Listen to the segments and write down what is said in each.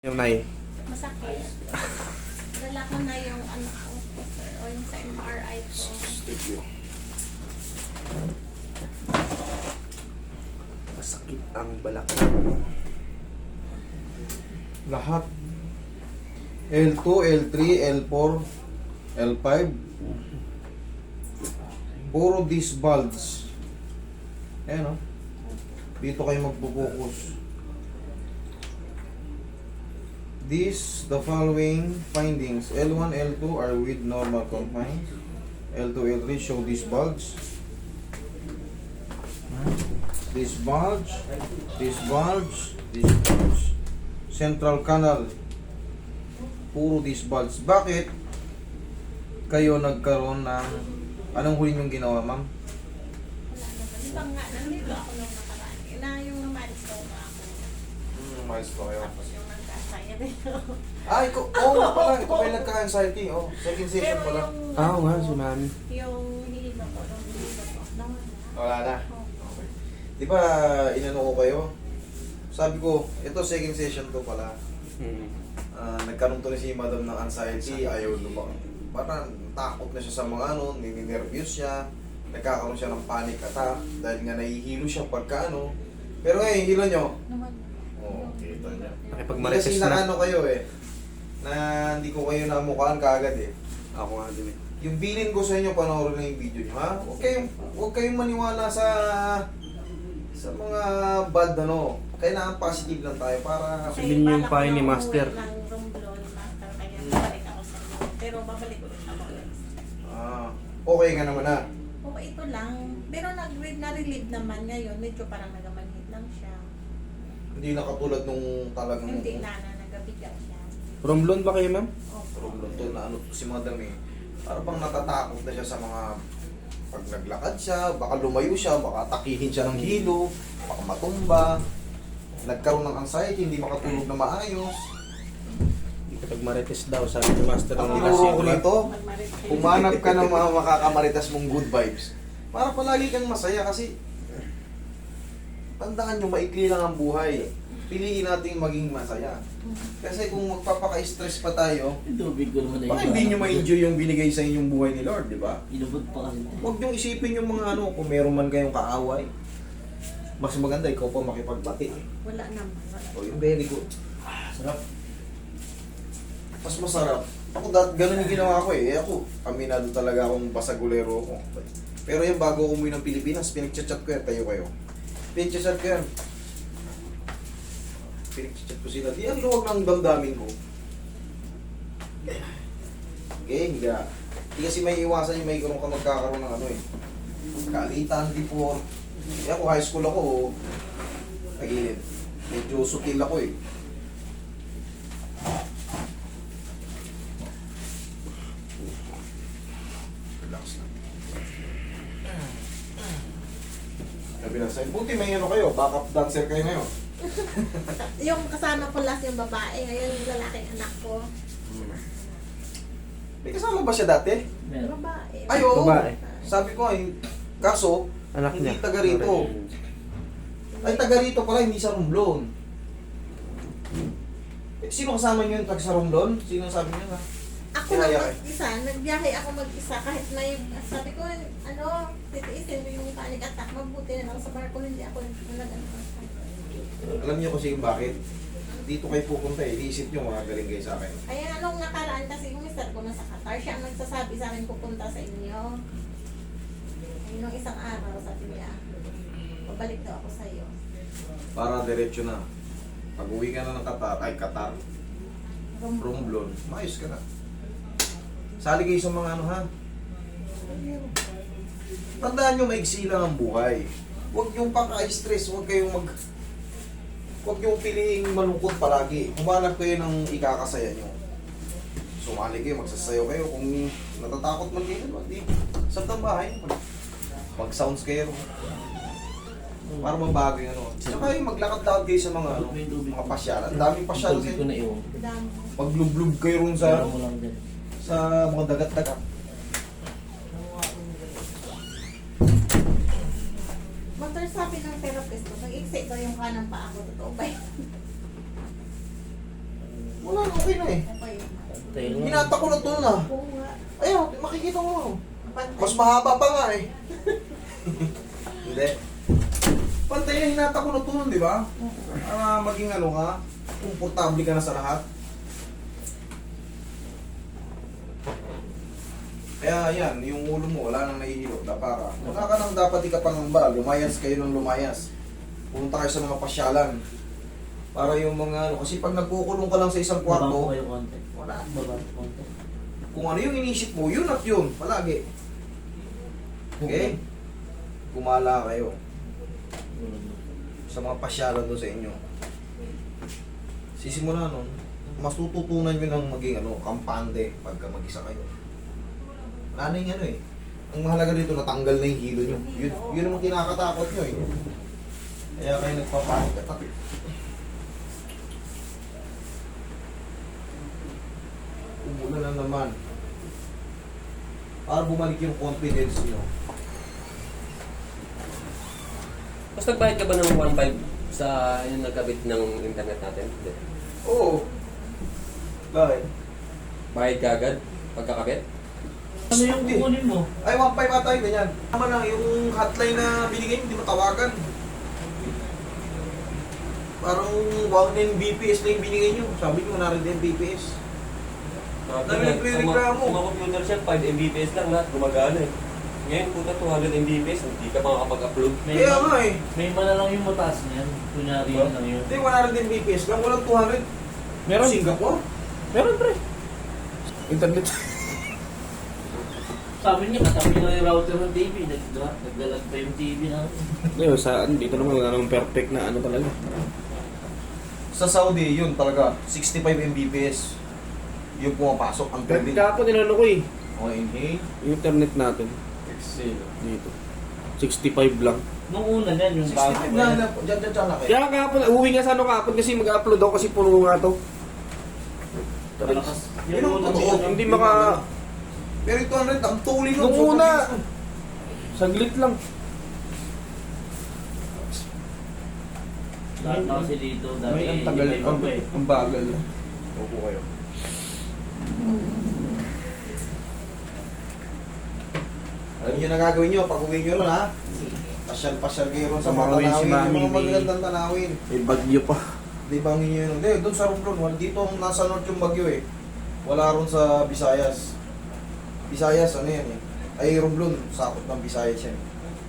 Yung nai. Masakit. Dala ko na yung ano ko, sir, o yung sa MRI ko. Thank you. Masakit ang balakang. Lahat. L2, L3, L4, L5. Puro disc bulge. Ayan o. Dito kayo magpo-focus. The following findings. L1, L2 are with normal confines. L2, L3 show this bulge. This bulge. This bulge. This bulge. Central canal. Puro this bulge. Bakit kayo nagkaroon ng... Anong huli niyong ginawa, ma'am? Wala naman. Di ba nga, nandito ako nung nakaraan. Na yung milestone na ako. Mais pa kayo. Tapos yung nagkasaya din ako. Ah, ikaw, nga pala, ito ba yung nagka-anxiety? Oh, second session Pero pala. yung... Ah, oo nga, si Mami. Yung hilo ko, yung hilo ko. Nawala. Wala na. Oo. Okay. Di ba, inano ko kayo? Sabi ko, ito second session to pala. Nagkaroon to rin si madam ng anxiety, ayaw lumang. Parang takot na siya sa mga ano, nininervyos siya. Nagkakaroon siya ng panic attack dahil nga nahihilo siya pagka ano. Pero ngayon, hilo nyo. Nawala. Oo, kita niya. Kasi Nakipagmarites na. nakano kayo eh, na hindi ko kayo namukhaan kaagad eh. Ako nga din eh. Yung bilin ko sa inyo, panoorin na yung video nyo, ha? Huwag kayong maniwala sa mga bad ano. Kailangan positive lang tayo para... Kasi Sabihin niyo yung balak pahay ko ni na Master. umuwi ng Romblon, Master, kaya babalik ako sa inyo. Pero babalik ulit ako next. Okay ka naman na. Oo, ito lang. Pero na-relieve naman ngayon. Medyo parang nagamanhid lang siya. Hindi na katulad nung talagang... Hindi na nagabigat siya. Romblon ba kayo, ma'am? Opo. Problem to na ano to si madam eh. Para bang natatakot na siya sa mga... Pag naglakad siya, baka lumayo siya, baka takihin siya ng hilo, baka matumba. Nagkaroon ng anxiety, hindi makatulog na maayos. Nakipagmarites daw, sabi ni Master. Ang ng tinuro ko nito, Magmarit- humanap ka ng mga makakamaritas mong good vibes. Para palagi kang masaya kasi tandaan nyo, maikli lang ang buhay. Piliin natin maging masaya. Kasi kung magpapaka-stress pa tayo, Tubig ko naman na baka hindi nyo ma-enjoy yung binigay sa inyong buhay ni Lord, di ba? Inubod pa kasi. Huwag nyo isipin yung mga ano, kung meron man kayong kaaway. Mas maganda, ikaw pa makipagbati. Wala naman. Wala. O, yung very good. Sarap. Mas masarap. Ako, ganun yung ginawa ko eh. Ako, aminado talaga akong basagulero ako. Pero yung bago ako umuwi ng Pilipinas, pinagchat-chat ko yan, tayo kayo. Pinagchat-chat ko yan. Pinagchat ko sila. Di ang luwag ng damdamin ko. Okay, higa. Di kasi may iwasan yung may ka magkakaroon ng ano eh. Kalitan before. Kaya ako, high school ako, tagilid. Medyo sutil ako eh. Relax lang. Sabi na sa'yo, buti may ano kayo, backup dancer kayo ngayon. Yung kasama ko last yung babae, ngayon yung lalaking anak ko. May kasama ba siya dati? Meron. Babae. Ay, oo. Babae. Sabi ko ay, kaso, Anak hindi niya. taga rito. Ay, taga rito pala, hindi sa Romblon. Sino kasama niyo yung taga sa Romblon? Sino sabi niyo na? Ako lang Kaya- mag-isa, nagbiyahe ako mag-isa kahit may, sabi ko, ano, titiisin mo yung panic attack, mabuti na lang sa barko, hindi ako nag-ano. Alam niyo kasi kung bakit? Dito kayo pupunta eh. Iisip niyo mga galing kayo sa akin. Kaya anong nakaraan kasi yung mister ko nasa Qatar, siya ang nagsasabi sa akin pupunta sa inyo. Ay, nung isang araw, sabi niya, pabalik daw ako sa iyo. Para diretso na. Pag uwi ka na ng Qatar, Romblon, maayos ka na. Sali kayo sa mga ano ha. Tandaan nyo, maigsi lang ang buhay. Huwag yung paka-stress, huwag yung piliing malungkot palagi. Humanap kayo ng ikakasaya nyo. Sumali kayo, magsasayaw kayo. Kung natatakot man kayo, di sa bahay, mag-sounds kayo. Para mabago yung ano. Saka yung maglakad-lakad kayo sa mga, ano, mga pasyalan. Ang daming pasyalan sa Tubig ko inyo. na iwan. Dami. Paglublub kayo rin sa, Meron mo lang dyan. sa mga dagat-dagat. Master, sabi ng therapist ko, nag-excite daw yung kanang paa ko, totoo ba yun? Wala na, okay na eh. Ako yun. Tayo lang. Hinata ko na to na. Oo nga. Ayun, makikita mo. Pantay. Mas mahaba pa nga eh. Hindi. Pantay na hinata ko na to nun, di ba? Maging ano ka, komportable ka na sa lahat. Kaya yan, yung ulo mo, wala nang nahihilo, dapara. Wala ka nang dapat ikapangamba, lumayas kayo ng lumayas. Pumunta kayo sa mga pasyalan. Para yung mga ano, kasi pag nagkukulong ka lang sa isang Baba ko kwarto, kayo konti. wala. Baba ko konti. Kung ano yung inisip mo, yun at yun, palagi. Okay? Gumala kayo sa mga pasyalan doon sa inyo. Sisimula nun, mas tututunan nyo ng maging ano, kampante pagka mag-isa kayo. Wala na yung ano eh. Ang mahalaga dito, natanggal na yung hilo nyo. Yun ang kinakatakot nyo eh. Kaya kayo nagpapanik at umuna na naman. Para bumalik yung confidence nyo. Mas nagbayad ka ba ng 1.5 sa yung nagkabit ng internet natin? Hindi. Oo. Bakit? Bayad ka agad pagkakabit? Ano yung kukunin mo? Ay, 1.5 ata yun, ganyan. Tama lang, yung hotline na binigay, hindi mo tawagan. Parang 1 Mbps na yung binigay nyo. Sabi nyo, narin din Mbps. Dami nagre-reklamo. Sa mga computer siya, 5 Mbps lang lahat, gumagana eh. Ngayon, puta 200 Mbps, hindi ka makakapag-upload. Kaya nga eh. May mana lang yung mataas niyan. Kunyari yun lang yun. Hindi, 100 Mbps lang. Walang 200. Meron. Singapore? Meron pre. Internet. Sabi niya, katabi na yung router ng TV. Nagdalag pa yung TV na. Ngayon, dito naman wala namang perfect na ano talaga. Sa Saudi, yun talaga. 65 Mbps. Yung pumapasok ang pwede. Kahapon nilano ko eh. Okay, inhale. Yung internet natin. Exhale. Dito. 65 lang. Nung una niyan, yung 65 lang na. Diyan na kayo. Kaya kahapon, uwi nga sa ano kahapon kasi mag-upload ako kasi puno nga to. Malakas. Yun ang unang totoo. yun, Hindi maka... Pero ito 100, ang tuloy nun. Nung sobrang una, bilis nun. saglit lang. Lahat na kasi dito. Dami, May ang tagal, hindi pa iba eh. ang bagal. Opo kayo. Alam niyo na gagawin niyo pag uwi niyo ron ha. Pasyal-pasyal kayo ron sa mga Mamawin si tanawin. Mami, Yung mga may- magagandang tanawin. May bagyo pa. Di ba ang inyo yun? Hindi, doon sa Romblon. Dito ang nasa north yung bagyo eh. Wala ron sa Visayas. Visayas, ano yan eh. Ay, Romblon, sakot ng Visayas yan.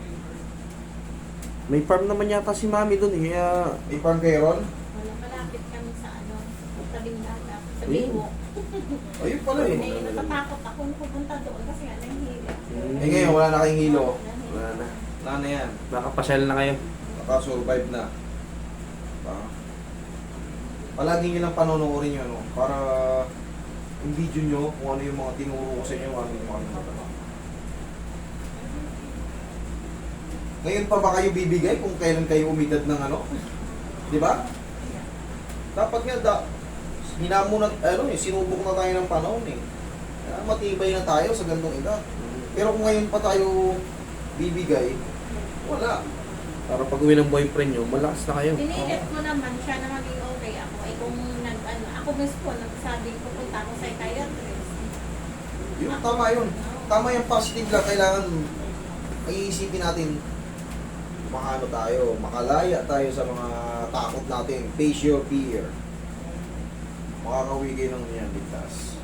May farm naman yata si Mami doon eh. Kaya... May farm kayo ron? Wala, malapit kami sa ano, tabing dagat. Sa Ayun. Biwo. Ayun pala eh. Eh, natatakot ako nung pupunta doon kasi nga nahihila. Eh ngayon, wala na kayong hilo. Wala na. Wala na yan. Nakapasyal na kayo. Nakasurvive na. Diba? Palagi nyo lang panonoodin nyo, ano, para yung video nyo, kung ano yung mga tinuro ko sa inyo, ano yung mga ano. Ngayon pa ba kayo bibigay kung kailan kayo umidad ng ano? Di ba? Dapat nga, hinamon na, ano eh, sinubok na tayo ng panahon eh. Kaya matibay na tayo sa gandong edad. Pero kung ngayon pa tayo bibigay, wala. Para pag uwi ng boyfriend nyo, malakas na kayo. Pinilit ko naman siya na maging okay ako. Ay kung ako mismo, nagsabing pupunta ako sa psychiatrist. Yun, tama yun. Tama yung positive lang. Kailangan iisipin natin makano tayo, makalaya tayo sa mga takot natin. Face your fear. Makakauwi kayo ng yan, ligtas.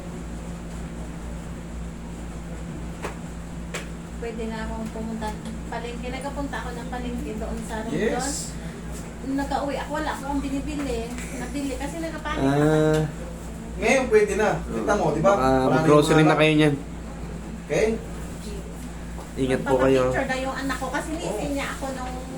Pwede na akong pumunta. Palengke, nagkapunta ako ng palengke doon sa Rondon. Yes. Nung nag-uwi ako, wala akong binibili. Nabili kasi nagkapanik ako. Ah, Ngayon pwede na. Kita mo, di ba? baka Wala na yung mag-grocery na mga- kayo niyan. Okay? Ingat po kayo. Pagpa-picture na yung anak ko kasi nisin niya ako nung